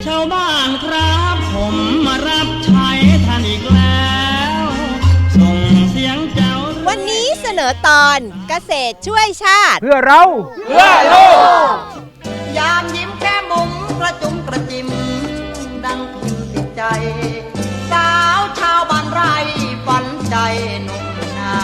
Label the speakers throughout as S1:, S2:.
S1: ชาวบ้านครับผมมารับใช้ท่านอีกแล้วส่งเสียงเจ้า
S2: วันนี้เสนอตอนเกษตรช่วยชาติ
S3: เพื่อเรา
S4: เพื่อโลก
S1: ยามยิ้มแค่มุมกระจุมกระจิมดังพิมติดใจสาวชาวบ้านไร่ฝันใจหนุ่มนา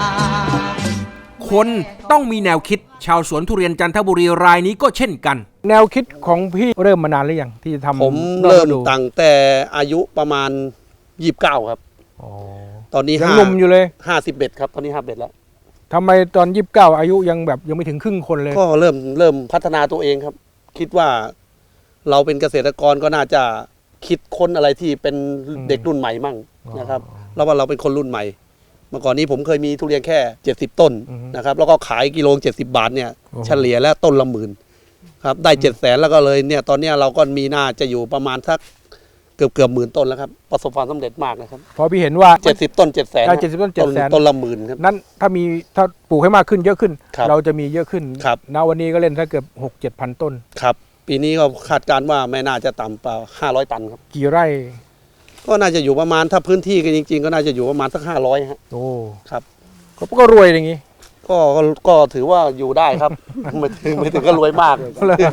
S5: คนต้องมีแนวคิดชาวสวนทุเรียนจันทบุรีรายนี้ก็เช่นกัน
S3: แนวคิดของพี่เริ่มมานานหรือยังที่ทำ
S4: ผมเริ่มตั้งแต่อายุประมาณ29ครับตอนนี้
S3: ยังหนุ่มอยู่เลย
S4: 51ครับตอนนี้51แล้ว
S3: ทำไมตอน29อายุยังแบบยังไม่ถึงครึ่งคนเลย
S4: ก็เริ่มพัฒนาตัวเองครับคิดว่าเราเป็นเกษตรกรก็น่าจะคิดค้นอะไรที่เป็นเด็กรุ่นใหม่มั่งนะครับแล้วว่าเราเป็นคนรุ่นใหม่เมื่อก่อนนี้ผมเคยมีทุเรียนแค่70ต้นนะครับแล้วก็ขายกิโล70 บาทเนี่ยเฉลี่ยแล้วต้นละ10,000ครับได้700,000แล้วก็เลยเนี่ยตอนนี้เราก็มีน่าจะอยู่ประมาณสักเกือบหมื่นต้นแล้วครับประสบความสำเร็จมากนะครับ
S3: พอพี่เห็นว่า
S4: 70ต้น700,000
S3: 70ต้น700,000
S4: ต้นละ10,000ครับ
S3: นั้นถ้าปลูกให้มากขึ้นเยอะขึ้นเราจะมีเยอะขึ้นณวันนี้ก็เล่นถ้าเกือบ 6-7,000 ต้น
S4: ครับปีนี้ก็คาดการณ์ว่าไม่น่าจะต่ำกว่า500 ตันครับ
S3: กี่ไร่
S4: ก็น่าจะอยู่ประมาณถ้าพื้นที่กันจริงๆก็น่าจะอยู่ประมาณสัก500ฮะ
S3: โอ้
S4: ครับ
S3: ก็รวยอย่างงี้
S4: ก็ถือว่าอยู่ได้ครับไม่ถึงก็รวยมาก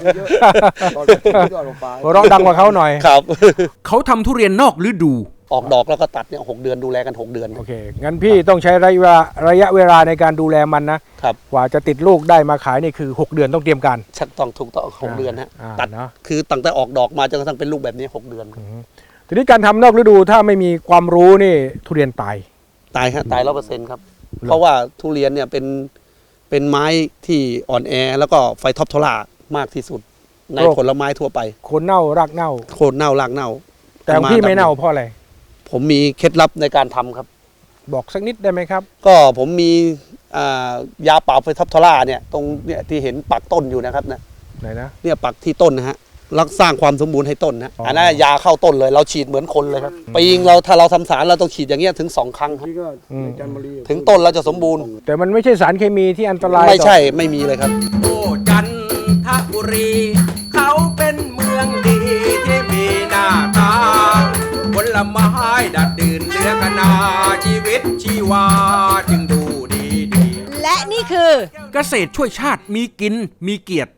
S3: ร้องดังกว่าเขาหน่อย
S4: ครับ
S5: เขาทำทุเรียนนอกฤดู
S4: ออกดอกแล้วก็ตัดเนี่ย6 เดือนดูแลกัน6 เดือน
S3: โอเคงั้นพี่ต้องใช้ระยะเวลาในการดูแลมันนะครับกว่าจะติดลูกได้มาขายนี่คือ6 เดือนต้องเตรียมการ
S4: ชักต้องถูกต้อง6 เดือนฮะตัดคือตั้งแต่ออกดอกมาจนกระทั่งเป็นลูกแบบนี้6 เดือน
S3: ทีนี้การทำนอกฤดูถ้าไม่มีความรู้นี่ทุเรียนตาย
S4: ครับตาย100%ครับเพราะว่าทุเรียนเนี่ยเป็นไม้ที่อ่อนแอแล้วก็ไฟท็อปทอร่ามากที่สุดในผลไม้ทั่วไป
S3: โคนเน่ารากเน่า
S4: โคนเน่ารากเน่า
S3: แต่พี่ไม่เน่าเพราะอะไร
S4: ผมมีเคล็ดลับในการทำครับ
S3: บอกสักนิดได้ไหมครับ
S4: ก็ผมมียาปราบไฟท็อปทอร่าเนี่ยตรงเนี่ยที่เห็นปักต้นอยู่นะครับนะ
S3: ไหนนะ
S4: เนี่ยปักที่ต้นนะฮะรักสร้างความสมบูรณ์ให้ต้นนะอันนั้นยาเข้าต้นเลยเราฉีดเหมือนคนเลยครับปีงเราถ้าเราทำสารเราต้องฉีดอย่างเงี้ยถึง2 ครั้งครับถึงต้นเราจะสมบูรณ์
S3: แต่มันไม่ใช่สารเคมีที่อันตราย
S4: ไม่ใช่ไม่มีเลยครับ
S5: โอ้จันทบุรีเขาเป็นเมืองดีที่มีหน้าตาผลไม้ดัดดื่นเหลือขนาชีวิตชีวาจึงดูดี
S2: และนี่คือ
S5: เกษตรช่วยชาติมีกินมีเกียรติ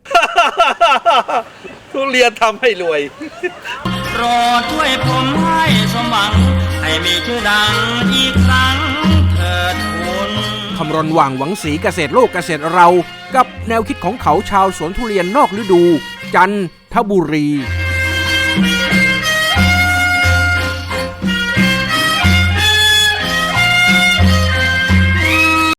S4: ทุเรียนทำให้รวย
S1: โปรดช่วยผมให้สมหวังให้มีชื่อดังอีกครั้งเถิดคุณ
S5: คำรณว่างหวังสีเกษตรโลกเกษตรเรากับแนวคิดของเขาชาวสวนทุเรียนนอกฤดูจันทบุรี